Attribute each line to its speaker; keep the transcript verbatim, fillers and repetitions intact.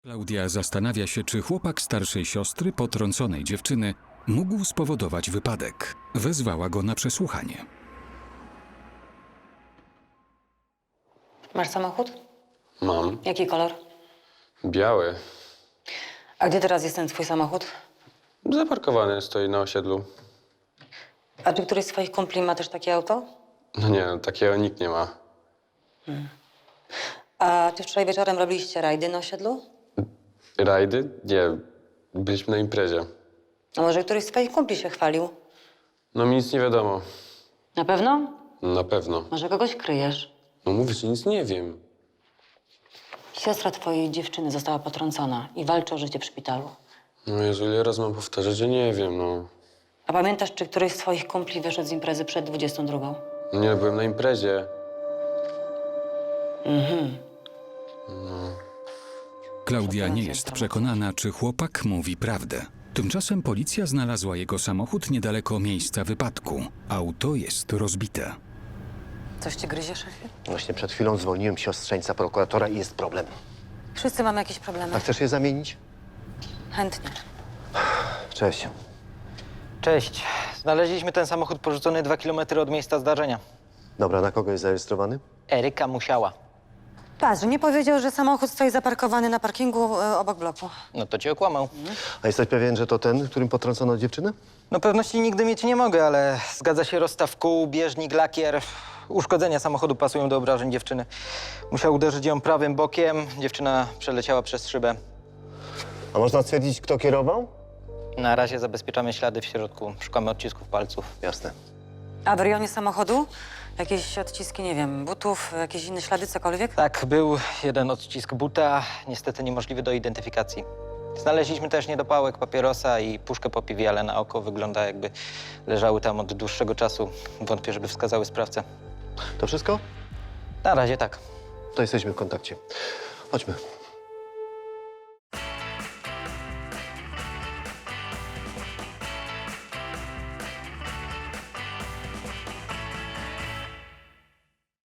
Speaker 1: Klaudia zastanawia się, czy chłopak starszej siostry potrąconej dziewczyny mógł spowodować wypadek. Wezwała go na przesłuchanie.
Speaker 2: Masz samochód?
Speaker 3: Mam.
Speaker 2: Jaki kolor?
Speaker 3: Biały.
Speaker 2: A gdzie teraz jest ten twój samochód?
Speaker 3: Zaparkowany stoi na osiedlu.
Speaker 2: A czy któryś z twoich kumpli ma też takie auto?
Speaker 3: No nie, takiego nikt nie ma.
Speaker 2: A czy wczoraj wieczorem robiliście rajdy na osiedlu?
Speaker 3: Rajdy? Nie. Byliśmy na imprezie.
Speaker 2: A może któryś z twoich kumpli się chwalił?
Speaker 3: No mi nic nie wiadomo.
Speaker 2: Na pewno?
Speaker 3: Na pewno.
Speaker 2: Może kogoś kryjesz?
Speaker 3: No mówię ci, nic nie wiem.
Speaker 2: Siostra twojej dziewczyny została potrącona i walczy o życie w szpitalu.
Speaker 3: No Jezu, ile razy mam powtarzać, że nie wiem, no.
Speaker 2: A pamiętasz, czy któryś z twoich kumpli wyszedł z imprezy przed dwudziestą drugą?
Speaker 3: Nie, byłem na imprezie.
Speaker 1: Klaudia nie jest przekonana, czy chłopak mówi prawdę. Tymczasem policja znalazła jego samochód niedaleko miejsca wypadku. Auto jest rozbite.
Speaker 2: Coś cię gryzie, szefie?
Speaker 4: Właśnie przed chwilą zwolniłem siostrzeńca prokuratora i jest problem.
Speaker 2: Wszyscy mamy jakieś problemy.
Speaker 4: A chcesz je zamienić?
Speaker 2: Chętnie.
Speaker 4: Cześć.
Speaker 5: Cześć. Znaleźliśmy ten samochód porzucony dwa kilometry od miejsca zdarzenia.
Speaker 4: Dobra, na kogo jest zarejestrowany?
Speaker 5: Eryka Musiała.
Speaker 2: Patrz, nie powiedział, że samochód stoi zaparkowany na parkingu e, obok bloku.
Speaker 5: No to cię okłamał.
Speaker 4: A jesteś pewien, że to ten, którym potrącono dziewczynę?
Speaker 5: No pewności nigdy mieć nie mogę, ale zgadza się rozstaw kół, bieżnik, lakier. Uszkodzenia samochodu pasują do obrażeń dziewczyny. Musiał uderzyć ją prawym bokiem. Dziewczyna przeleciała przez szybę.
Speaker 4: A można stwierdzić, kto kierował?
Speaker 5: Na razie zabezpieczamy ślady w środku. Szukamy odcisków palców.
Speaker 4: Jasne.
Speaker 2: A w rejonie samochodu? Jakieś odciski, nie wiem, butów, jakieś inne ślady, cokolwiek?
Speaker 5: Tak, był jeden odcisk buta, niestety niemożliwy do identyfikacji. Znaleźliśmy też niedopałek papierosa i puszkę po piwie, ale na oko wygląda, jakby leżały tam od dłuższego czasu. Wątpię, żeby wskazały sprawcę.
Speaker 4: To wszystko?
Speaker 5: Na razie tak.
Speaker 4: To jesteśmy w kontakcie. Chodźmy.